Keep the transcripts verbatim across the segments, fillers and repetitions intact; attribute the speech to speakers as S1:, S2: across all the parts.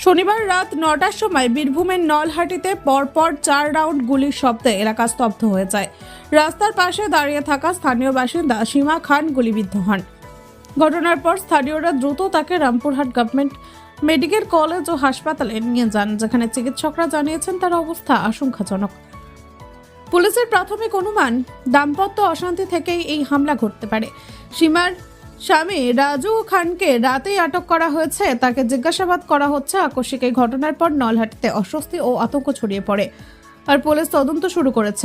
S1: শনিবার রাত নটার সময় বীরভূমের নলহাটিতে পরপর চার রাউন্ড গুলির শব্দে এলাকা স্তব্ধ হয়ে যায়। রাস্তার পাশে দাঁড়িয়ে থাকা স্থানীয় বাসিন্দা সীমা খান গুলিবিদ্ধ হন। ঘটনার পর স্থানীয়রা দ্রুত তাকে রামপুরহাট গভর্নমেন্ট মেডিকেল কলেজ ও হাসপাতালে নিয়ে যান, যেখানে চিকিৎসকরা জানিয়েছেন তার অবস্থা আশঙ্কাজনক। পুলিশের প্রাথমিক অনুমান, দাম্পত্য অশান্তি থেকেই এই হামলা ঘটতে পারে। সীমার স্বামী রাজু খানকে রাতেই আটক করা হয়েছে, তাকে জিজ্ঞাসাবাদ করা হচ্ছে। আকস্মিক এই ঘটনার পর নলহাটিতে অস্বস্তি ও আতঙ্ক ছড়িয়ে পড়ে, আর পুলিশ তদন্ত শুরু করেছে।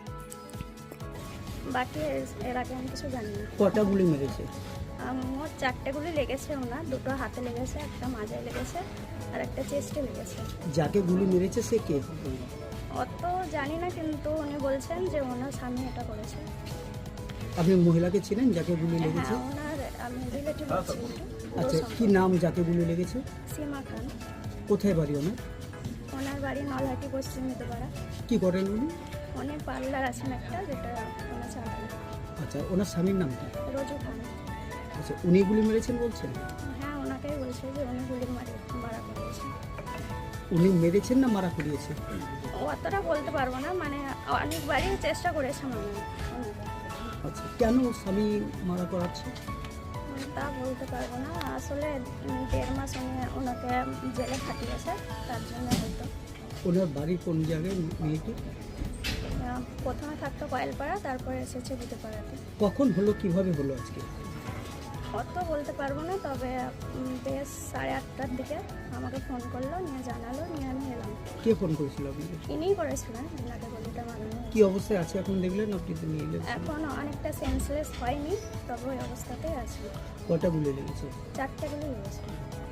S2: বাকি এর আগে আমি কিছু জানি না।
S3: কটা গুলি মেরেছে?
S2: মোট চারটে গুলি লেগেছে ওনার, দুটো হাতে লেগেছে, একটা মাজায় লেগেছে আর একটা চেস্টে লেগেছে।
S3: যাকে গুলি মেরেছে সে কে?
S2: অত জানি না, কিন্তু উনি বলছেন যে ওনার স্বামী এটা করেছে।
S3: আপনি মহিলাকে ছিলেন যাকে গুলি লেগেছে?
S2: হ্যাঁ, ওনার আমি রিলেটিভ আছি।
S3: আচ্ছা, কি নাম যাকে গুলি লেগেছে?
S2: সীমা খান।
S3: কোথায় বাড়ি ওনার?
S2: ওনার বাড়ি নলহাটি, পশ্চিম মিতপাড়া।
S3: কি করেন উনি?
S2: উনি পার্লার আছেন একটা, যেটা ওনার চালান।
S3: আচ্ছা, ওনার স্বামীর নাম কি?
S2: রোজু খান।
S3: আচ্ছা, উনি গুলি মেরেছেন বলছেন?
S2: হ্যাঁ, ওনাকেই বলছে যে উনি গুলি মারে মারা করিয়েছে।
S3: উনি মেরেছেন না মারা করিয়েছে?
S2: অতটা বলতে পারবো না, মানে অনেকবারই চেষ্টা করেছে মানে ওনাকে।
S3: আচ্ছা, কেন স্বামী মারা করাচ্ছে?
S2: তা বলতে পারবো না, আসলে দেড় মাস উনি ওনাকে জেলে খাটিয়েছে, তার জন্য হয়তো।
S3: ওনার বাড়ি কোন জায়গায় মেয়েটি?
S2: আহ, প্রথমে থাকতো কয়েলপাড়া, তারপরে এসেছে বুধপাড়াতে।
S3: কখন হলো, কিভাবে হলো আজকে?
S2: অত বলতে পারবো না, তবে উম, বেশ সাড়ে আটটার দিকে আমাকে ফোন করলো, নিয়ে জানালো, নিয়ে আমি এলাম।
S3: কে ফোন করেছিল আপনাকে?
S2: ইনিই করেছিলেন, ওনাকে গলিটা মারানো।
S3: কি অবস্থায় আছে এখন দেখলেন আপনি তো নিয়ে এলেন?
S2: এখন অনেকটা সেন্সলেস হয়নি, তবে ওই অবস্থাতেই আছে।
S3: কটা গুলি লেগেছে?
S2: চারটে গুলি লেগেছে।